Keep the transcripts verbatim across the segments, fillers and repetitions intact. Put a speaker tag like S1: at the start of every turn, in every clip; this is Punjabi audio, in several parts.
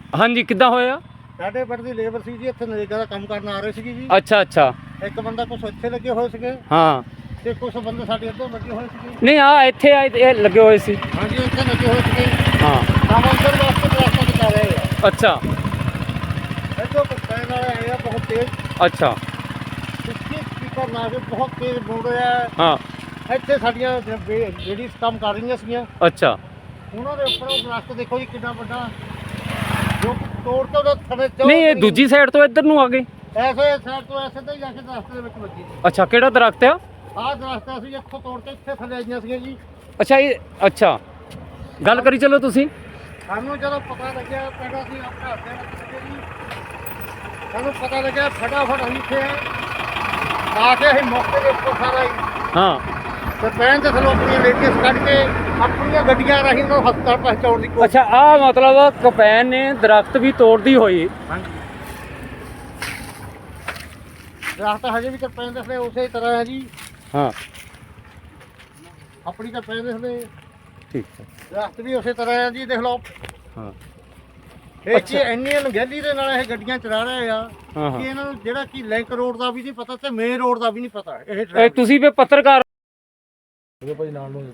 S1: हाँ जी किद्दां होया?
S2: ਸਾਡੇ ਪਿੰਡ ਦੀ ਲੇਬਰ ਸੀ ਜੀ, ਇੱਥੇ ਨਰੇਗਾ ਦਾ ਕੰਮ ਕਰਨ ਆ ਰਹੇ ਸੀਗੇ ਜੀ।
S1: अच्छा अच्छा
S2: ਇੱਕ ਬੰਦਾ ਕੁਛ ਇੱਥੇ ਲੱਗੇ ਹੋਏ ਸੀਗੇ
S1: हाँ
S2: ਤੇ ਕੁਛ ਬੰਦੇ ਸਾਡੇ ਇੱਧਰ ਲੱਗੇ ਹੋਏ ਸੀਗੇ।
S1: नहीं आ इत्थे आए लगे हुए सी
S2: ਹਾਂਜੀ ਇੱਥੇ ਲੱਗੇ ਹੋਏ ਸੀਗੇ।
S1: हाँ
S2: ਕੰਮ ਅੰਦਰ ਵਾਸਤੇ ਪ੍ਰਸ਼ਾਸਨ ਦਿਖਾ ਰਹੇ ਆ।
S1: अच्छा
S2: ਇੱਥੋਂ ਪੈਣ ਵਾਲੇ ਆਏ ਆ ਬਹੁਤ ਤੇਜ਼।
S1: अच्छा
S2: ਪਿੱਛੇ ਸਪੀਕਰ ਲਾ ਕੇ ਬਹੁਤ ਤੇਜ਼ ਬੋਲ ਰਿਹਾ ਹੈ।
S1: हाँ
S2: ਇੱਥੇ ਸਾਡੀਆਂ ਲੇਡੀਜ਼ ਕੰਮ ਕਰ ਰਹੀਆਂ ਸੀਗੀਆਂ।
S1: अच्छा
S2: ਉਹਨਾਂ ਦੇ ਉੱਪਰ ਉਹ ਦਰਖਤ ਦੇਖੋ ਜੀ ਕਿੰਨਾ ਵੱਡਾ, ਜੋ ਤੋੜ ਕੇ ਉਹਦੇ ਥੱਲੇ ਚੋਂ
S1: नहीं ये दूजी साइड तो इधर ਨੂੰ ਆ ਗਏ।
S2: ਐਸੇ ਸਾਈਡ ਤੋਂ ਐਸੇ ਤੇ ਜਾ ਕੇ ਦਰਖਤ ਦੇ ਵਿੱਚ ਵੱਜੀ।
S1: अच्छा ਕਿਹੜਾ ਦਰਖਤ ਆ?
S2: ਆਹ ਦਰਖਤ ਅਸੀਂ ਇੱਥੋਂ ਤੋੜ ਕੇ ਇੱਥੇ ਥੱਲੇ ਆਈਆਂ ਸੀਗੀਆਂ ਜੀ।
S1: ਅੱਛਾ ਇਹ ਅੱਛਾ ਗੱਲ ਕਰੀ ਚਲੋ ਤੁਸੀਂ।
S2: ਸਾਨੂੰ ਜਦੋਂ ਪਤਾ ਲੱਗਿਆ ਪਿੰਡ ਅਸੀਂ ਆਪਣੇ ਹੱਥ ਦੇ ਵਿੱਚ ਸੀਗੇ ਜੀ, ਸਾਨੂੰ ਪਤਾ ਲੱਗਿਆ ਫਟਾਫਟ ਅਸੀਂ ਇੱਥੇ ਆ ਕੇ ਅਸੀਂ ਮੌਕੇ ਦੇ ਉੱਪਰ ਸਾਰਾ ਹੀ
S1: ਹਾਂ
S2: ਤੇ ਪੈਣ ਤੇ ਸਾਨੂੰ ਆਪਣੀਆਂ ਲੇਡੀਜ਼ ਕੱਢ ਕੇ ਆਪਣੀਆਂ ਗੱਡੀਆਂ ਰਾਹੀਂ ਨੂੰ ਹਸਪਤਾਲ ਪਹੁੰਚਾਉਣ ਦੀ ਕੋਸ਼ਿਸ਼।
S1: ਅੱਛਾ ਆ ਮਤਲਬ ਕਪੈਨ ਨੇ ਦਰਖਤ ਵੀ ਤੋੜਦੀ ਹੋਈ।
S2: ਹਾਂਜੀ ਦਰਖਤ ਹਜੇ ਵੀ ਕਰਪੈਨ ਦੇ ਥੱਲੇ ਉਸੇ ਤਰ੍ਹਾਂ ਹੈ ਜੀ।
S1: ਹਾਂ
S2: ਆਪਣੀ ਕਰਪੈਨ ਦੇ ਥੱਲੇ
S1: ਠੀਕ ਹੈ
S2: ਦਰਖਤ ਵੀ ਉਸੇ ਤਰ੍ਹਾਂ ਹੈ ਜੀ। ਦੇਖ ਲਓ
S1: ਹਾਂ
S2: ਇਹ ਕੀ ਇੰਨੀ ਅਣਗਹਿਲੀ ਦੇ ਨਾਲ ਇਹ ਗੱਡੀਆਂ ਚਲਾ ਰਹੇ ਆ
S1: ਹਾਂ ਹਾਂ
S2: ਕਿ ਇਹਨਾਂ ਨੂੰ ਜਿਹੜਾ ਕਿ ਲਿੰਕ ਰੋਡ ਦਾ ਵੀ ਨਹੀਂ ਪਤਾ ਤੇ ਮੇਨ ਰੋਡ ਦਾ ਵੀ ਨਹੀਂ ਪਤਾ। ਇਹ
S1: ਇਹ ਤੁਸੀਂ ਵੀ ਪੱਤਰਕਾਰ
S2: ਉਹਦੇ ਭਾਈ ਨਾਲ ਨੂੰ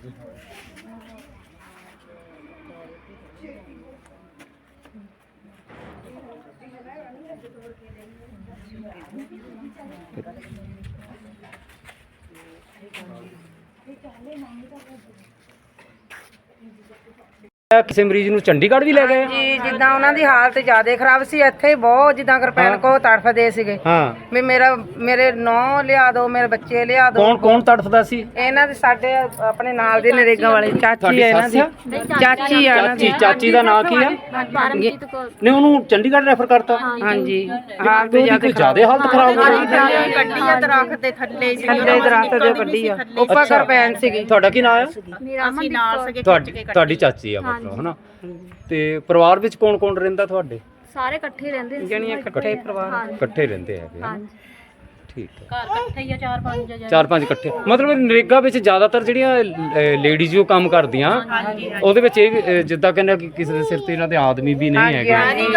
S1: ਕਿਸੇ ਮਰੀਜ਼ ਨੂੰ ਚੰਡੀਗੜ੍ਹ ਵੀ ਲੈ ਗਏ?
S3: ਜੀ ਜਿੱਦਾਂ ਉਹਨਾਂ ਦੀ ਹਾਲਤ ਜ਼ਿਆਦਾ ਖਰਾਬ ਸੀ, ਇੱਥੇ ਹੀ ਬਹੁਤ ਜਿੱਦਾਂ ਕਿਰਪਾਨ ਕੋ ਤੜਫਦੇ ਸੀਗੇ
S1: ਹਾਂ
S3: ਵੀ ਮੇਰਾ ਮੇਰੇ ਨੌ ਲਿਆ ਦਿਓ, ਮੇਰੇ ਬੱਚੇ ਲਿਆ ਦਿਓ।
S1: ਕੌਣ ਕੌਣ ਤੜਫਦਾ ਸੀ?
S3: ਇਹਨਾਂ ਦੇ ਸਾਡੇ ਆਪਣੇ ਨਾਲ ਦੇ ਨਰੇਗਾ ਵਾਲੇ ਚਾਚੀ
S1: ਤੁਹਾਡੀ
S3: ਹੈ ਇਹਨਾਂ ਦੀ,
S1: ਸੱਸ
S3: ਚਾਚੀ ਆ ਇਹਨਾਂ
S1: ਚਾਚੀ
S3: ਦੀ।
S1: ਚਾਚੀ ਦਾ ਨਾਂ ਕੀ ਆ? ਨਹੀਂ ਉਹਨੂੰ ਚੰਡੀਗੜ੍ਹ ਰੈਫਰ ਕਰਤਾ।
S3: ਹਾਂਜੀ
S1: ਹਾਲਤ
S3: ਹਾਲਤ ਜ਼ਿਆਦਾ
S1: ਜ਼ਿਆਦਾ ਹਾਲਤ ਖਰਾਬ ਹੋ ਗਈ।
S3: ਗੱਡੀ ਆ ਦਰਖਤ ਦੇ ਥੱਲੇ ਥੱਲੇ ਦਰਖਤ ਦੇ ਗੱਡੀ ਆ ਉੱਪਰ ਕਿਰਪਾਨ ਸੀਗੀ।
S1: ਤੁਹਾਡਾ ਕੀ ਨਾਂ ਆ?
S4: ਅਸੀਂ ਨਾਲ ਸਕੇ
S1: ਤੁਹਾਡੀ ਤੁਹਾਡੀ ਚਾਚੀ ਆ ਮਤਲਬ ਹਨਾ। ਤੇ ਪਰਿਵਾਰ ਵਿੱਚ ਕੌਣ ਕੌਣ ਰਹਿੰਦਾ ਤੁਹਾਡੇ?
S4: ਸਾਰੇ ਇਕੱਠੇ ਰਹਿੰਦੇ ਸੀ।
S3: ਜਣੀਆਂ ਇਕੱਠੇ ਪਰਿਵਾਰ
S1: ਇਕੱਠੇ ਰਹਿੰਦੇ ਹੈਗੇ ਹਨਾ?
S4: ਹਾਂਜੀ
S1: ਠੀਕ ਹੈ
S4: ਘਰ ਇਕੱਠੇ ਹੀ ਆ, ਚਾਰ ਪੰਜ ਜਣੇ।
S1: ਚਾਰ ਪੰਜ ਇਕੱਠੇ ਮਤਲਬ ਨਰੇਗਾ ਵਿੱਚ ਜ਼ਿਆਦਾਤਰ ਜਿਹੜੀਆਂ ਲੇਡੀਜ਼ ਜੋ ਕੰਮ ਕਰਦੀਆਂ ਉਹਦੇ ਵਿੱਚ ਇਹ ਵੀ, ਅਹ, ਜਿੱਦਾਂ ਕਹਿੰਦੇ ਕਿ ਕਿਸੇ ਦੇ ਸਿਰ ਤੇ ਇਹਨਾਂ ਦੇ ਆਦਮੀ ਵੀ ਨਹੀਂ ਹੈਗੇ।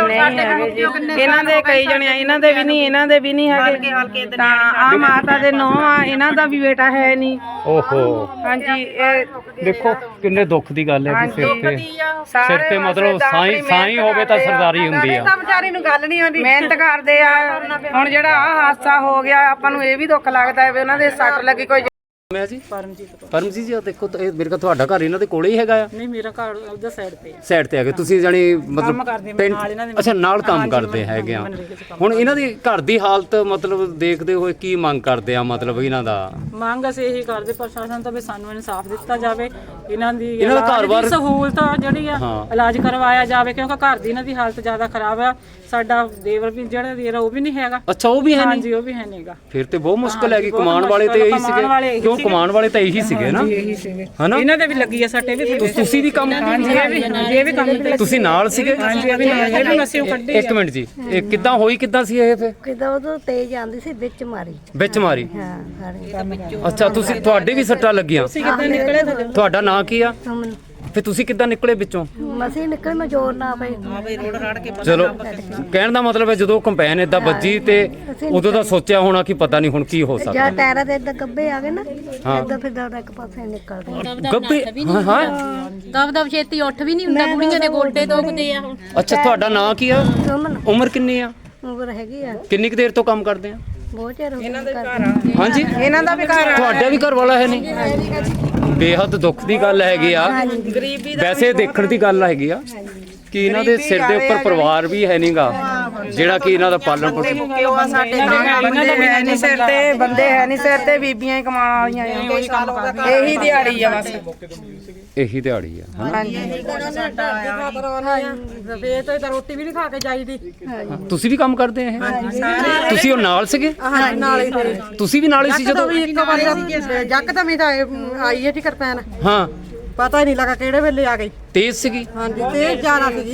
S3: ਇਹਨਾਂ ਦੇ ਕਈ ਜਣੇ ਇਹਨਾਂ ਦੇ ਵੀ ਨਹੀਂ ਇਹਨਾਂ ਦੇ ਵੀ ਨਹੀਂ ਹੈਗੇ। ਤਾਂ ਆ ਮਾਤਾ ਦੇ ਨੌ ਆ, ਇਹਨਾਂ ਦਾ ਵੀ ਬੇਟਾ ਹੈ ਨਹੀਂ।
S1: ਓਹੋ
S3: ਹਾਂਜੀ ਇਹ
S1: ਦੇਖੋ ਕਿੰਨੇ ਦੁੱਖ ਦੀ ਗੱਲ ਹੈ ਕਿ ਸਿਰ ਤੇ ਸਿਰ ਤੇ ਮਤਲਬ ਸਾਈ ਸਾਈ ਹੋਵੇ ਤਾਂ ਸਰਦਾਰੀ ਹੁੰਦੀ ਆ।
S3: ਤਾਂ ਵਿਚਾਰੀ ਨੂੰ ਗੱਲ ਨਹੀਂ ਆਉਂਦੀ, ਮਿਹਨਤ ਕਰਦੇ ਆ। ਹੁਣ ਜਿਹੜਾ ਆ ਹਾਦਸਾ ਹੋ ਗਿਆ ਆਪਾਂ ਨੂੰ ਇਹ ਵੀ ਦੁੱਖ ਲੱਗਦਾ ਹੈ ਵੀ ਉਹਨਾਂ ਦੇ ਸੱਟ ਲੱਗੀ। ਕੋਈ
S1: ਮੈਂ ਜੀ ਪਰਮਜੀਤ ਪਰਮਜੀਤ ਜੀ ਦੇਖੋ ਇਹ ਮੇਰੇ ਕੋਲ ਤੁਹਾਡਾ ਘਰ ਇਹਨਾਂ ਦੇ ਕੋਲੇ ਹੀ ਹੈਗਾ ਆ?
S5: ਨਹੀਂ ਮੇਰਾ ਘਰ ਉਹਦਾ ਸਾਈਡ ਤੇ ਹੈ।
S1: ਸਾਈਡ ਤੇ ਹੈਗੇ ਤੁਸੀਂ ਜਾਨੀ ਮਤਲਬ ਪਿੰਡ ਅੱਛਾ ਨਾਲ ਕੰਮ ਕਰਦੇ ਹੈਗੇ ਆ। ਹੁਣ ਇਹਨਾਂ ਦੀ ਘਰ ਦੀ ਹਾਲਤ ਮਤਲਬ ਦੇਖਦੇ ਹੋਏ ਕੀ ਮੰਗ ਕਰਦੇ ਆ ਮਤਲਬ ਇਹਨਾਂ ਦਾ?
S5: ਮੰਗ ਅਸੀਂ ਇਹੀ ਕਰਦੇ ਪ੍ਰਸ਼ਾਸਨ ਤੋਂ ਵੀ ਸਾਨੂੰ ਇਨਸਾਫ ਦਿੱਤਾ ਜਾਵੇ। ਇਹਨਾਂ ਦੀ
S1: ਇਹਨਾਂ ਦਾ ਘਰ-ਬਾਰ
S5: ਇਲਾਜ ਦੀ ਸਹੂਲਤ ਜਿਹੜੀ ਆ ਇਲਾਜ ਕਰਵਾਇਆ ਜਾਵੇ ਕਿਉਂਕਿ ਘਰ ਦੀ ਇਹਨਾਂ ਦੀ ਹਾਲਤ ਜ਼ਿਆਦਾ ਖਰਾਬ ਆ। ਸਾਡਾ ਦੇਵਰ ਵੀ ਜਿਹੜਾ ਦੇਰ ਉਹ ਵੀ ਨਹੀਂ ਹੈਗਾ।
S1: ਅੱਛਾ ਉਹ ਵੀ ਹੈ ਨਹੀਂ?
S5: ਹਾਂਜੀ ਉਹ ਵੀ ਹੈ ਨਹੀਂਗਾ।
S1: ਫਿਰ ਤੇ ਬਹੁਤ ਮੁਸ਼ਕਲ ਹੈਗੀ। ਕਮਾਉਣ ਵਾਲੇ ਤੇ ਇਹੀ ਸੀਗੇ ਕਿਉਂ ਕਮਾਉਣ ਵਾਲੇ ਤਾਂ ਇਹੀ ਸੀਗੇ ਨਾ ਹਨਾ?
S5: ਇਹਨਾਂ ਦੇ ਵੀ ਲੱਗੀ ਆ ਸੱਟੇ ਵੀ।
S1: ਤੁਸੀਂ ਵੀ ਕੰਮ
S5: ਹਾਂਜੀ ਇਹ ਵੀ ਇਹ ਵੀ ਕੰਮ ਤੇ
S1: ਤੁਸੀਂ ਨਾਲ ਸੀਗੇ?
S5: ਹਾਂਜੀ ਇਹ ਵੀ ਇਹ ਵੀ ਅਸੀਂ ਕੱਢੀ।
S1: ਇੱਕ ਮਿੰਟ ਜੀ ਇਹ ਕਿੱਦਾਂ ਹੋਈ ਕਿੱਦਾਂ ਸੀ ਇਹ ਫਿਰ?
S6: ਕਿਦਾਂ ਉਦੋਂ ਤੇਜ਼ ਆਂਦੀ ਸੀ ਵਿੱਚ ਮਾਰੀ।
S1: ਵਿੱਚ ਮਾਰੀ?
S6: ਹਾਂ ਸਾਰੇ
S1: ਅੱਛਾ ਤੁਸੀਂ ਤੁਹਾਡੇ ਵੀ ਸੱਟਾਂ ਲੱਗੀਆਂ?
S5: ਕਿੱਦਾਂ ਨਿਕਲੇ ਤੁਹਾਡੇ?
S1: ਤੁਹਾਡਾ ਨਾਂ ਕੀ ਆ?
S6: ਸੁਮਨ
S1: ਫਿਰ ਤੁਸੀਂ ਕਿੱਦਾਂ ਨਿਕਲੇ ਵਿੱਚੋਂ?
S6: ਮਸੀਂ ਨਿਕਲ ਮੈਂ ਜ਼ੋਰ ਨਾ ਪਈ।
S1: ਚਲੋ ਕਹਿਣ ਦਾ ਮਤਲਬ ਹੈ ਜਦੋਂ ਕੰਪੈਨ ਏਦਾਂ ਵੱਜੀ ਤੇ ਉਦੋਂ ਦਾ ਸੋਚਿਆ ਹੋਣਾ ਕਿ ਪਤਾ ਨਹੀਂ ਹੁਣ ਕੀ ਹੋ ਸਕਦਾ।
S6: ਜਾਂ ਟਾਇਰਾਂ ਦੇ ਇਦਾਂ ਗੱਬੇ ਆ ਗਏ ਨਾ ਇਦਾਂ ਫਿਰ ਦੌੜਾ ਇੱਕ ਪਾਸੇ ਨਿਕਲਦੇ।
S1: ਗੱਬੇ ਹਾਂ ਹਾਂ
S4: ਦਬ ਦਬ ਛੇਤੀ ਉੱਠ ਵੀ ਨਹੀਂ ਹੁੰਦਾ, ਕੁੜੀਆਂ ਦੇ ਗੋਡੇ ਦੁਖਦੇ ਆ। ਹੁਣ
S1: ਅੱਛਾ ਤੁਹਾਡਾ ਨਾਂ ਕੀ ਆ?
S6: ਸੁਮਨ
S1: ਉਮਰ ਕਿੰਨੀ ਆ?
S6: ਉਮਰ ਹੈਗੀ ਆ
S1: ਕਿੰਨੀ ਕੁ ਦੇਰ ਤੋਂ ਕੰਮ ਕਰਦੇ ਆ?
S6: ਬਹੁਤ ਚਿਰ ਹੋ ਗਿਆ
S1: ਹਾਂਜੀ
S3: ਇਹਨਾਂ ਦਾ ਵੀ ਘਰ ਆ।
S1: ਤੁਹਾਡਾ ਵੀ ਘਰ ਵਾਲਾ ਹੈ ਨਹੀਂ? ਬੇਹੱਦ ਦੁੱਖ ਦੀ ਗੱਲ ਹੈਗੀ ਆ। ਵੈਸੇ ਦੇਖਣ ਦੀ ਗੱਲ ਹੈਗੀ ਆ ਕਿ ਇਹਨਾਂ ਦੇ ਸਿਰ ਦੇ ਉੱਪਰ ਪਰਿਵਾਰ ਵੀ ਹੈ ਨਹੀਂਗਾ ਜਿਹੜਾ ਕਿ ਇਹਨਾਂ ਦਾ ਪਾਲਣ ਪੋਸ਼ਣ।
S3: ਸਾਡੇ ਬੰਦੇ ਹੈ ਨਹੀਂ ਸਿਰ ਤੇ, ਬੰਦੇ ਹੈ ਨਹੀਂ ਸਿਰ ਤੇ, ਬੀਬੀਆਂ ਹੀ ਕਮਾਉਣ ਵਾਲੀਆਂ ਆ। ਇਹੀ ਦਿਹਾੜੀ ਆ ਬਸ।
S1: ਇਹੀ ਦਿਹਾੜੀ ਆ ਹਨਾ?
S5: ਸਵੇਰ ਤੋਂ ਤਾਂ ਰੋਟੀ ਵੀ ਨਹੀਂ ਖਾ ਕੇ ਜਾਈਦੀ।
S1: ਤੁਸੀਂ ਵੀ ਕੰਮ ਕਰਦੇ ਆ ਇਹ? ਤੁਸੀਂ ਉਹ ਨਾਲ ਸੀਗੇ? ਤੁਸੀਂ ਵੀ ਨਾਲ ਹੀ ਸੀ ਜਦੋਂ?
S3: ਇੱਕ ਵਾਰ ਜੱਕ ਤਾਂ ਮੈਂ ਤਾਂ ਆਈ ਹੈ ਜੀ ਕਿਰਪਾਨ,
S1: ਹਾਂ
S3: ਪਤਾ ਹੀ ਨਹੀਂ ਲੱਗਾ ਕਿਹੜੇ ਵੇਲੇ ਆ ਗਈ।
S1: ਤੇਜ਼ ਸੀਗੀ?
S3: ਹਾਂਜੀ ਤੇਜ਼ ਜ਼ਿਆਦਾ ਸੀ ਜੀ।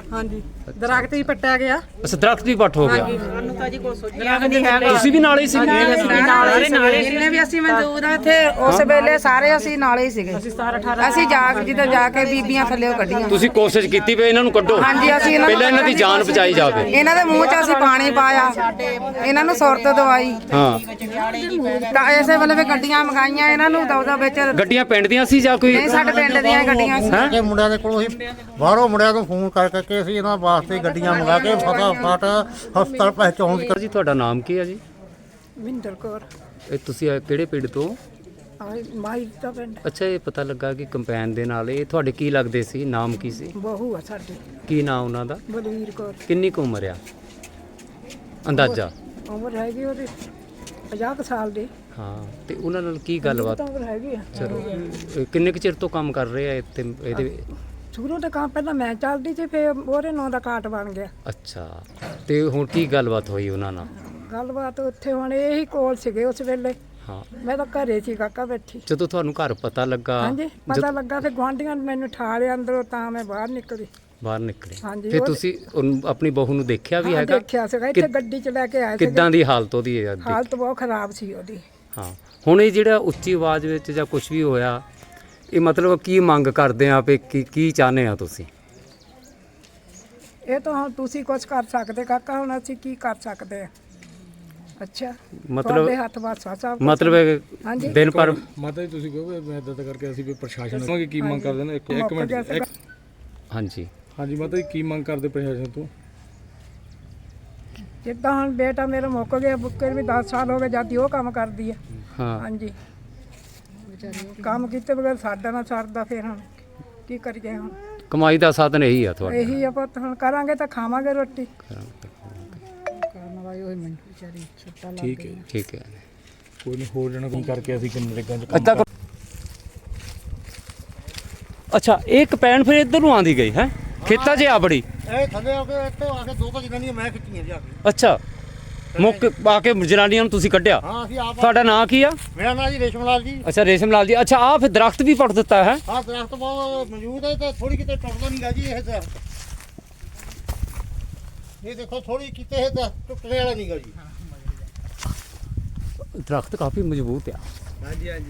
S5: ਹਾਂਜੀ ਦਰਖਤ ਹੀ ਪੱਟਿਆ ਗਿਆ।
S1: ਅੱਛਾ ਦਰਖਤ ਵੀ ਪੱਟ ਹੋ ਗਿਆ।
S3: ਸਾਨੂੰ ਤਾਂ ਜੀ ਕੋਈ ਸੋਚਿਆ ਵੀ ਨਹੀਂ ਹੈਗਾ।
S1: ਤੁਸੀਂ ਵੀ ਨਾਲ ਹੀ ਸੀ?
S3: ਨਾਲੇ ਨਾਲੇ ਜਿੰਨੇ ਵੀ ਅਸੀਂ ਮੌਜੂਦ ਆ ਇੱਥੇ ਉਸ ਵੇਲੇ ਸਾਰੇ ਅਸੀਂ ਨਾਲੇ ਹੀ ਸੀਗੇ।
S5: ਅਸੀਂ ਸਤਾਰਾਂ ਅਠਾਰਾਂ
S3: ਅਸੀਂ ਜਾ ਕੇ ਜਿੱਦਾਂ ਜਾ ਕੇ ਬੀਬੀਆਂ ਥੱਲੇ ਕੱਢੀਆਂ।
S1: ਤੁਸੀਂ ਕੋਸ਼ਿਸ਼ ਕੀਤੀ ਵੀ ਇਹਨਾਂ ਨੂੰ ਕੱਢੋ?
S3: ਹਾਂਜੀ ਅਸੀਂ ਇਹਨਾਂ ਨੂੰ
S1: ਪਹਿਲਾਂ ਇਹਨਾਂ ਦੀ ਜਾਨ ਬਚਾਈ ਜਾਵੇ।
S3: ਇਹਨਾਂ ਦੇ ਮੂੰਹ 'ਚ ਅਸੀਂ ਪਾਣੀ ਪਾਇਆ, ਇਹਨਾਂ ਨੂੰ ਸੁਰਤ ਦਵਾਈ।
S1: ਹਾਂ
S3: ਤਾਂ ਇਸੇ ਵੇਲੇ ਵੀ ਗੱਡੀਆਂ ਮੰਗਾਈਆਂ ਇਹਨਾਂ ਨੂੰ ਦੌਦਾ ਵਿੱਚ।
S1: ਗੱਡੀਆਂ ਪਿੰਡ ਦੀਆਂ ਸੀ ਜਾਂ ਕੋਈ?
S3: ਨਹੀਂ ਸਾਡੇ ਪਿੰਡ ਦੀਆਂ ਹੀ ਗੱਡੀਆਂ ਸੀ।
S2: ਕਿ ਮੁੰਡਿਆਂ ਦੇ ਕੋਲੋਂ ਅਸੀਂ ਬਾਹਰੋਂ ਮੁੰਡਿਆਂ ਤੋਂ ਫੋਨ ਕਰ ਕਰਕੇ ਅਸੀਂ ਇਹਨਾਂ ਵਾਸਤੇ ਗੱਡੀਆਂ ਮੰਗਾ ਕੇ ਫਟਾਫਟ ਹਸਪਤਾਲ ਪਹੁੰਚਾਉਣ ਦੀ।
S1: ਜੀ ਤੁਹਾਡਾ ਨਾਮ ਕੀ ਹੈ ਜੀ?
S5: ਵਿੰਦਰ ਕੌਰ
S1: ਇਹ ਤੁਸੀਂ ਇਹ ਕਿਹੜੇ ਪਿੰਡ ਤੋਂ?
S5: ਮਾਈ ਦਾ ਪਿੰਡ
S1: ਅੱਛਾ ਇਹ ਪਤਾ ਲੱਗਾ ਕਿ ਕੰਪੈਨ ਦੇ ਨਾਲ ਇਹ ਤੁਹਾਡੇ ਕੀ ਲੱਗਦੇ ਸੀ? ਨਾਮ ਕੀ ਸੀ?
S5: ਬਹੂ ਆ ਸਾਡੀ
S1: ਕੀ ਨਾਮ ਉਹਨਾਂ ਦਾ?
S5: ਬਲਵੀਰ ਕੌਰ।
S1: ਕਿੰਨੀ ਕੁ ਉਮਰ ਆ ਅੰਦਾਜ਼ਾ?
S5: ਉਮਰ ਹੈਗੀ ਉਹਦੀ ਪੰਜਾਹ ਕੁ ਸਾਲ ਦੀ।
S1: ਹਾਂ ਤੇ ਉਹਨਾਂ ਨਾਲ ਕੀ ਗੱਲਬਾਤ?
S5: ਉਮਰ ਹੈਗੀ ਆ।
S1: ਚਲੋ ਇਹ ਕਿੰਨੇ ਕੁ ਚਿਰ ਤੋਂ ਕੰਮ ਕਰ ਰਹੇ ਆ ਇੱਥੇ ਇਹਦੇ?
S5: ਸ਼ੁਰੂ ਤੋਂ ਕੰਮ ਪਹਿਲਾਂ ਮੈਂ ਚੱਲਦੀ ਸੀ, ਫਿਰ ਉਹਦੇ ਨਾਂ ਦਾ ਕਾਟ ਬਣ ਗਿਆ।
S1: ਅੱਛਾ ਤੇ ਹੁਣ ਕੀ ਗੱਲਬਾਤ ਹੋਈ ਉਹਨਾਂ ਨਾਲ?
S5: ਗੱਲਬਾਤ ਉੱਥੇ ਹੁਣ ਇਹੀ ਕੋਲ ਸੀਗੇ ਉਸ ਵੇਲੇ।
S1: ਹਾਂ
S5: ਮੈਂ ਤਾਂ ਘਰੇ ਸੀ ਕਾਕਾ ਬੈਠੀ।
S1: ਜਦੋਂ ਤੁਹਾਨੂੰ ਘਰ ਪਤਾ ਲੱਗਾ?
S5: ਹਾਂਜੀ ਪਤਾ ਲੱਗਾ, ਫਿਰ ਗੁਆਂਢੀਆਂ ਨੇ ਮੈਨੂੰ ਠਾ ਲਿਆ ਅੰਦਰੋਂ, ਤਾਂ ਮੈਂ ਬਾਹਰ ਨਿਕਲੀ।
S1: ਬਾਹਰ ਨਿਕਲੇ
S5: ਹਾਂਜੀ,
S1: ਫਿਰ
S5: ਉਹ-
S1: ਤੁਸੀਂ ਉਹਨੂੰ ਆਪਣੀ ਬਹੂ ਨੂੰ ਦੇਖਿਆ ਵੀ
S5: ਹਾਂ,
S1: ਹੈਗਾ?
S5: ਦੇਖਿਆ ਸੀਗਾ ਇੱਥੇ ਗੱਡੀ ਚ ਲੈ ਕੇ ਆਏ ਸੀ।
S1: ਕਿੱਦਾਂ ਦੀ ਹਾਲਤ ਉਹਦੀ ਹੈ?
S5: ਹਾਲਤ ਬਹੁਤ ਖਰਾਬ ਸੀ ਉਹਦੀ।
S1: ਹਾਂ ਹੁਣ ਇਹ ਜਿਹੜਾ ਉੱਚੀ ਆਵਾਜ਼ ਵਿੱਚ ਜਾਂ ਕੁਝ ਵੀ ਹੋਇਆ, ਇਹ ਮਤਲਬ ਕੀ ਮੰਗ ਕਰਦੇ ਆ ਵੀ ਕੀ ਕੀ ਚਾਹੁੰਦੇ ਆ ਤੁਸੀਂ?
S5: ਇਹ ਤਾਂ ਹੁਣ ਤੁਸੀਂ ਕੁਝ ਕਰ ਸਕਦੇ ਕਾਕਾ, ਹੁਣ ਅਸੀਂ ਕੀ ਕਰ ਸਕਦੇ ਆ? ਅੱਛਾ
S1: ਮਤਲਬ
S5: ਤੁਹਾਡੇ ਹੱਥ ਵਾਸਾ ਸਾਹਿਬ
S1: ਮਤਲਬ
S5: ਹਾਂਜੀ।
S1: ਦਿਨ ਪਰ
S7: ਮਾਤਾ ਜੀ ਤੁਸੀਂ ਕਹੋਗੇ ਮੈਂ ਇਦਾਂ ਕਰਕੇ ਅਸੀਂ ਵੀ ਪ੍ਰਸ਼ਾਸਨ ਤੋਂ ਕੀ ਮੰਗ ਕਰਦੇ ਨੇ? ਇੱਕ ਇੱਕ ਮਿੰਟ ਇੱਕ-
S1: ਹਾਂਜੀ
S7: ਹਾਂਜੀ ਮਾਤਾ ਜੀ ਕੀ ਮੰਗ ਕਰਦੇ ਪ੍ਰਸ਼ਾਸਨ ਤੋਂ?
S5: ਜਿੱਦਾਂ ਹੁਣ ਬੇਟਾ ਮੇਰਾ ਮੁੱਕ ਗਿਆ, ਬੁੱਕੇ ਵੀ ਦਸ ਸਾਲ ਹੋ ਗਏ ਜਦ ਦੀ ਉਹ ਕੰਮ ਕਰਦੀ ਆ।
S1: ਹਾਂ
S5: ਹਾਂਜੀ ਕੰਮ ਕੀਤੇ ਬਗੈਰ ਸਾਡਾ ਨਾ ਸਰਦਾ, ਫਿਰ ਹੁਣ ਕੀ ਕਰੀਏ? ਹੁਣ
S1: ਕਮਾਈ ਦਾ ਸਾਧਨ ਇਹੀ ਆ ਤੁਹਾਡਾ?
S5: ਇਹੀ ਆ ਪੁੱਤ, ਹੁਣ ਕਰਾਂਗੇ ਤਾਂ ਖਾਵਾਂਗੇ ਰੋਟੀ।
S7: ਠੀਕ ਹੈ ਜੀ,
S1: ਠੀਕ ਹੈ।
S7: ਕੋਈ ਨਹੀਂ ਹੋਰ ਜਣਾ ਕੋਈ ਕਰਕੇ ਅਸੀਂ ਕਿੰਨੇ ਰੇਗਾਂ ਚ
S1: ਅੱਛਾ ਅੱਛਾ ਇਹ ਕਪੈਨ ਫਿਰ ਇੱਧਰ ਨੂੰ ਆਂਦੀ ਗਈ ਹੈ ਖੇਤਾਂ 'ਚ ਆ ਬੜੀ?
S2: ਇਹ ਥੱਲੇ ਆ ਕੇ ਇੱਥੇ ਆ ਕੇ ਦੋ ਕੁ ਜਨਾਨੀਆਂ ਮੈਂ ਖਿੱਚੀਆਂ ਜਾ ਕੇ।
S1: ਅੱਛਾ ਮੁੱਕ ਆ ਕੇ ਜਨਾਨੀਆਂ ਨੂੰ ਤੁਸੀਂ ਕੱਢਿਆ?
S2: ਹਾਂ ਅਸੀਂ ਆਪ।
S1: ਤੁਹਾਡਾ ਨਾਂ ਕੀ ਆ?
S2: ਮੇਰਾ ਨਾਂ ਜੀ ਰੇਸ਼ਮ ਲਾਲ ਜੀ।
S1: ਅੱਛਾ ਰੇਸ਼ਮ ਲਾਲ ਜੀ। ਅੱਛਾ ਆ ਫਿਰ ਦਰਖਤ ਵੀ ਪੱਟ ਦਿੱਤਾ ਹੈ?
S2: ਆਹ ਦਰਖਤ ਬਹੁਤ ਮੌਜੂਦ ਹੈ ਤੇ ਥੋੜੀ ਕਿਤੇ ਟੁੱਟਦਾ ਨਹੀਂਗਾ ਜੀ ਇਹ ਦਰਖਤ। ਇਹ ਦੇਖੋ ਥੋੜੀ ਕਿਤੇ ਇਹ ਦਰਖਤ ਟੁੱਟਣੇ ਵਾਲਾ ਨਹੀਂਗਾ ਜੀ।
S1: ਦਰਖਤ ਕਾਫੀ ਮਜ਼ਬੂਤ ਆ।
S2: ਹਾਂਜੀ ਹਾਂਜੀ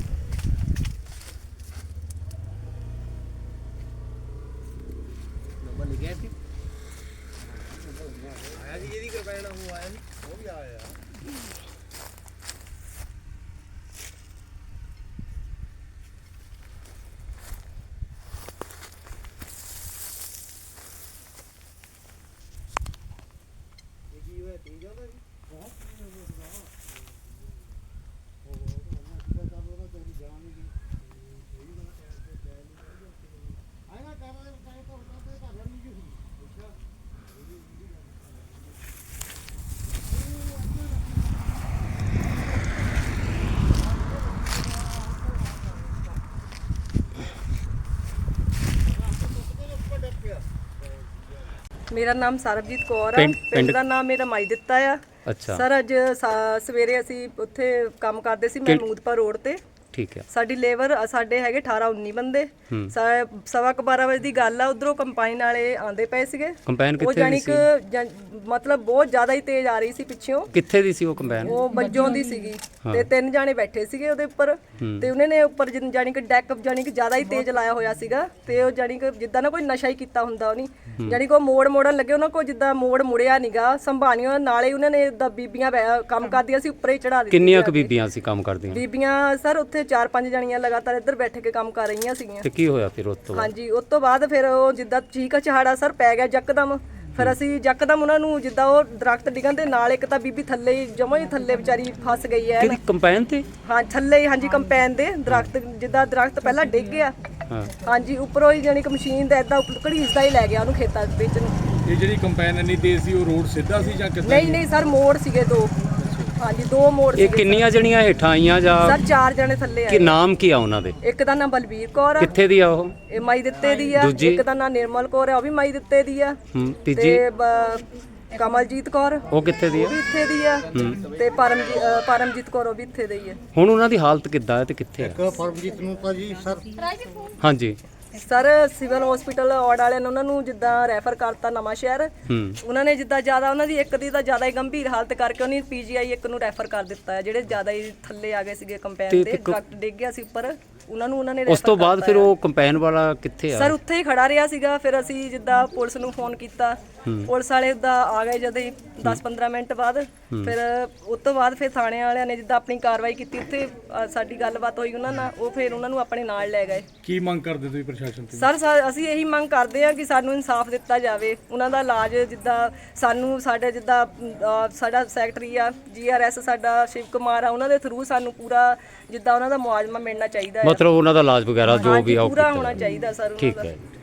S8: ਮੇਰਾ ਨਾਮ ਸਰਬਜੀਤ ਕੌਰ ਆ।
S1: ਪਿੰਡ-
S8: ਪਿੰਡ
S1: ਪਿੰਡ-
S8: ਦਾ ਨਾਮ ਮੇਰਾ ਮਾਈ ਦਿੱਤਾ ਆ।
S1: ਅੱਛਾ
S8: ਸਰ ਅੱਜ ਸਾ- ਸਵੇਰੇ ਅਸੀਂ ਉੱਥੇ ਕੰਮ ਕਰਦੇ ਸੀ ਮਹਿਮੂਦਪੁਰ ਰੋਡ ਤੇ।
S1: ਠੀਕ ਹੈ।
S8: ਸਾਡੀ ਲੇਬਰ ਸਾਡੇ ਹੈਗੇ ਅਠਾਰਾਂ ਉੱਨੀ ਬੰਦੇ।
S1: ਹੂੰ।
S8: ਸਾ- ਸਵਾ ਕੁ ਬਾਰਾਂ ਵਜੇ ਦੀ ਗੱਲ ਆ, ਉਧਰੋਂ ਕੰਪਾਈਨ ਵਾਲੇ ਆਂਦੇ ਪਏ ਸੀਗੇ।
S1: ਕੰਪੈਨ
S8: ਉਹ
S1: ਕਿੱਥੇ
S8: ਜਾਨੀ
S1: ਦੀ ਸੀ?
S8: ਕਿ ਜਾਂ- ਮਤਲਬ ਬਹੁਤ ਜ਼ਿਆਦਾ ਹੀ ਤੇਜ਼ ਆ ਰਹੀ ਸੀ ਪਿੱਛੋਂ।
S1: ਕਿੱਥੇ ਦੀ ਸੀ ਉਹ ਕੰਪੈਨ?
S8: ਉਹ ਬੱਜੋਂ ਦੀ ਸੀਗੀ
S1: ਹਾਂ।
S8: ਤੇ ਤਿੰਨ ਜਾਣੇ ਬੈਠੇ ਸੀਗੇ ਉਹਦੇ ਉੱਪਰ।
S1: ਹੂੰ।
S8: ਤੇ ਉਹਨਾਂ ਨੇ ਉੱਪਰ ਜਿਨ- ਜਾਣੀ ਕਿ ਡੈਕ ਜਾਣੀ ਕਿ ਜ਼ਿਆਦਾ ਹੀ ਤੇਜ਼ ਲਾਇਆ ਹੋਇਆ ਸੀਗਾ। ਤੇ ਉਹ ਜਾਣੀ ਕਿ ਜਿੱਦਾਂ ਨਾ ਕੋਈ ਨਸ਼ਾ ਹੀ ਕੀਤਾ ਹੁੰਦਾ ਉਹਨੀ। ਜਾਣੀ ਕਿ ਉਹ ਮੋੜ ਮੋੜਨ ਲੱਗੇ, ਉਹਨਾਂ ਕੋਲ ਜਿੱਦਾਂ ਮੋੜ ਮੁੜਿਆ ਨੀਗਾ, ਸੰਭਾਲੀਆਂ ਨਾਲੇ ਉਹਨਾਂ ਨੇ ਦਾ ਬੀਬੀਆਂ ਬੈ- ਕੰਮ ਕਰਦੀਆਂ ਸੀ ਉੱਪਰੇ ਚੜਾ ਦਿੱਤੀ।
S1: ਕਿੰਨੀਆਂ ਕੁ ਬੀਬੀਆਂ ਸੀ ਕੰਮ ਕਰਦੀਆਂ?
S8: ਬੀਬੀਆਂ ਸਰ ਉੱਥੇ ਚਾਰ ਪੰਜ ਜਣੀਆਂ ਲਗਾਤਾਰ ਇੱਧਰ ਬੈਠ ਕੇ ਕੰਮ ਕਰ ਰਹੀਆਂ ਸੀਗੀਆਂ।
S1: ਤੇ ਕੀ ਹੋਇਆ ਫਿਰ ਉਸ ਤੋਂ ਬਾਅਦ?
S8: ਹਾਂਜੀ ਉਸ ਤੋਂ ਬਾਅਦ ਫਿਰ ਉਹ ਜਿੱਦਾਂ ਚੀਕ ਚਹਾੜਾ ਸਰ ਪੈ ਗਿਆ ਯਕਦਮ। ਫਿਰ ਅਸੀਂ ਯਕਦਮ ਉਹਨਾਂ ਨੂੰ ਜਿੱਦਾਂ ਉਹ ਦਰਖਤ ਡਿੱਗਣ ਦੇ ਨਾਲ ਇੱਕ ਤਾਂ ਬੀਬੀ ਥੱਲੇ ਹੀ ਜਮਾਂ ਹੀ ਥੱਲੇ ਵਿਚਾਰੀ ਫਸ ਗਈ ਹੈ।
S1: ਕਿਹਦੀ ਕੰਪੈਨ ਤੇ?
S8: ਹਾਂ ਥੱਲੇ ਹੀ, ਹਾਂਜੀ ਕੰਪੈਨ ਦੇ ਦਰਖਤ, ਜਿੱਦਾਂ ਦਰਖਤ ਪਹਿਲਾਂ ਡਿੱਗ ਗਿਆ।
S1: ਹਾਂ
S8: ਹਾਂਜੀ ਉੱਪਰੋਂ ਹੀ ਜਾਣੀ ਕਿ ਮਸ਼ੀਨ ਦਾ ਇਦਾਂ ਘੜੀਸਦਾ ਹੀ ਲੈ ਗਿਆ ਉਹਨੂੰ ਖੇਤਾਂ ਵਿੱਚ ਨੂੰ।
S7: ਇਹ ਜਿਹੜੀ ਕੰਪੈਨ ਇੰਨੀ ਤੇਜ਼ ਸੀ ਉਹ ਰੋਡ ਸਿੱਧਾ ਸੀ ਜਾਂ ਕਿੱਦਾਂ?
S8: ਨਹੀਂ ਨਹੀਂ ਸਰ ਮੋੜ ਸੀਗੇ ਦੋ। ਹਾਂਜੀ ਦੋ ਮੋੜ
S1: ਇਹ
S8: ਸੀਗੇ
S1: ਕਿੰਨੀਆਂ ਜਣੀਆਂ ਹੇਠਾਂ ਆਈਆਂ ਜਾਂ
S8: ਸਰ? ਚਾਰ ਜਣੇ ਥੱਲੇ
S1: ਕੀ
S8: ਆਏ।
S1: ਨਾਮ ਕੀ ਆ ਉਹਨਾਂ ਦੇ?
S8: ਇੱਕ ਦਾ ਨਾਮ ਬਲਬੀਰ ਕੌਰ ਆ,
S1: ਕਿੱਥੇ ਦੀ ਆ ਉਹ?
S8: ਇਹ ਮਾਈ ਦਿੱਤੇ ਦੀ ਆ।
S1: ਦੂਜੀ?
S8: ਇੱਕ ਦਾ ਨਾਮ ਨਿਰਮਲ ਕੌਰ ਆ, ਉਹ ਵੀ ਮਾਈ ਦਿੱਤੇ ਦੀ ਆ।
S1: ਹੂੰ ਤੀਜੀ?
S8: ਤੇ ਬ- ਕਮਲਜੀਤ ਕੌਰ
S1: ਉਹ ਕਿੱਥੇ ਦੀ
S8: ਉਹ
S1: ਆ?
S8: ਵੀ ਇੱਥੇ ਦੀ ਆ। ਤੇ ਪਰਮਜੀਤ ਅ, ਪਰਮਜੀਤ ਕੌਰ ਉਹ ਵੀ ਇੱਥੇ ਦੀ ਆ।
S1: ਹੁਣ ਉਹਨਾਂ ਦੀ ਹਾਲਤ ਕਿੱਦਾਂ ਹੈ ਤੇ ਕਿੱਥੇ ਹੈ?
S2: ਇੱਕ ਪਰਮਜੀਤ ਨੂੰ ਤਾਂ ਜੀ ਸਰ
S1: ਹਾਂਜੀ
S8: ਸਰ ਸਿਵਲ ਹਸਪੀਟਲ ਔੜ ਵਾਲਿਆਂ ਨੇ ਉਹਨਾਂ ਨੂੰ ਜਿੱਦਾਂ ਰੈਫਰ ਕਰਤਾ ਨਵਾਂ ਸ਼ਹਿਰ।
S1: ਹੂੰ
S8: ਉਹਨਾਂ ਨੇ ਜਿੱਦਾਂ ਜ਼ਿਆਦਾ ਉਹਨਾਂ ਦੀ ਇੱਕ ਦੀ ਤਾਂ ਜ਼ਿਆਦਾ ਹੀ ਗੰਭੀਰ ਹਾਲਤ ਕਰਕੇ ਉਹਨੇ ਪੀਜੀਆਈ ਇੱਕ ਨੂੰ ਰੈਫਰ ਕਰ ਦਿੱਤਾ ਹੈ। ਜਿਹੜੇ ਜ਼ਿਆਦਾ ਹੀ ਥੱਲੇ ਆ ਗਏ ਸੀਗੇ ਕੰਪੈਨ ਤੇ, ਡਾਕਟਰ ਡਿੱਗ ਗਿਆ ਸੀ ਉੱਪਰ, ਉਹਨਾਂ ਨੂੰ ਉਹਨਾਂ ਨੇ
S1: ਉਸ ਤੋਂ ਬਾਅਦ ਫਿਰ ਉਹ ਕੰਪੈਨ ਵਾਲਾ ਕਿੱਥੇ ਆ?
S8: ਸਰ ਉੱਥੇ ਹੀ ਖੜਾ ਰਿਹਾ ਸੀਗਾ। ਫਿਰ ਅਸੀਂ ਜਿੱਦਾਂ ਪੁਲਿਸ ਨੂੰ ਫੋਨ ਕੀਤਾ, ਪੁਲਿਸ ਵਾਲੇ ਉਦਾਂ ਆ ਗਏ ਜਦੋਂ ਹੀ ਦਸ ਪੰਦਰਾਂ ਮਿੰਟ ਬਾਅਦ। ਫਿਰ ਉਸ ਤੋਂ ਬਾਅਦ ਫਿਰ ਥਾਣੇ ਵਾਲਿਆਂ ਨੇ ਜਿੱਦਾਂ ਆਪਣੀ ਕਾਰਵਾਈ ਕੀਤੀ, ਉੱਥੇ ਅ, ਸਾਡੀ ਗੱਲਬਾਤ ਹੋਈ ਉਹਨਾਂ ਨਾਲ, ਉਹ ਫਿਰ ਉਹਨਾਂ ਨੂੰ ਆਪਣੇ ਨਾਲ ਲੈ ਗਏ।
S7: ਕੀ ਮੰਗ ਕਰਦੇ ਤੁਸੀਂ ਪ੍ਰਸ਼ਾਸਨ ਤੋਂ?
S8: ਸਰ ਸਾ- ਅਸੀਂ ਇਹੀ ਮੰਗ ਕਰਦੇ ਹਾਂ ਕਿ ਸਾਨੂੰ ਇਨਸਾਫ ਦਿੱਤਾ ਜਾਵੇ। ਉਹਨਾਂ ਦਾ ਇਲਾਜ ਜਿੱਦਾਂ ਸਾਨੂੰ ਸਾਡੇ ਜਿੱਦਾਂ ਅ, ਸਾਡਾ ਸੈਕਟਰੀ ਆ ਜੀ ਆਰ ਐਸ ਸਾਡਾ ਸ਼ਿਵ ਕੁਮਾਰ ਆ, ਉਹਨਾਂ ਦੇ ਥਰੂ ਸਾਨੂੰ ਪੂਰਾ ਜਿੱਦਾਂ ਉਹਨਾਂ ਦਾ ਮੁਆਵਜ਼ਾ ਮਿਲਣਾ ਚਾਹੀਦਾ ਹੈ।
S1: ਮਤਲਬ ਉਹਨਾਂ ਦਾ ਇਲਾਜ ਵਗੈਰਾ ਜੋ ਵੀ ਆ ਉਹ
S8: ਪੂਰਾ
S1: ਕੀਤਾ
S8: ਹੋਣਾ
S1: ਜਾਵੇ।
S8: ਚਾਹੀਦਾ ਸਰ ਉਹਨਾਂ
S1: ਠੀਕ
S8: ਦਾ।
S1: ਹੈ।